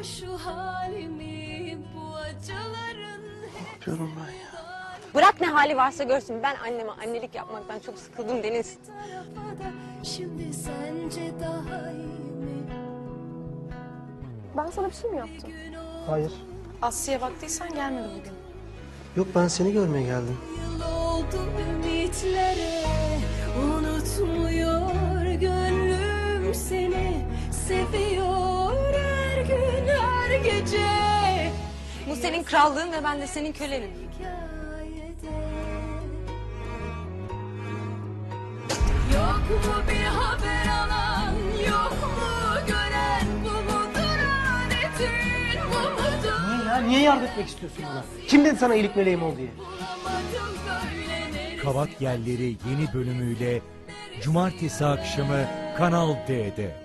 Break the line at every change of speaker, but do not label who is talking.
şu halimi, bu acıların
Ne yapıyorum ben ya?
Bırak ne hali varsa görsün. Ben anneme annelik yapmaktan çok sıkıldım Deniz.
tarafa da, şimdi sence daha iyi mi?
Ben sana bir şey mi yaptım?
Hayır.
Aslı'ya baktıysan gelmedi bugün.
Yok, ben seni görmeye geldim.
Yıl oldu ümitlere, unutmuyor gönlüm seni, seviyor her gün her gece.
Bu senin krallığın ve ben de senin kölenin.
Hikayede. Yok mu bir haber alan, yok mu gören, bu mudur adetin, bu mudur?
Niye ya? Niye yardım etmek istiyorsun bana? Kim dedi sana iyilik meleğim ol diye?
Bulamadım böyle neresi?
Kavak Yelleri yeni bölümüyle Cumartesi akşamı Kanal D'de.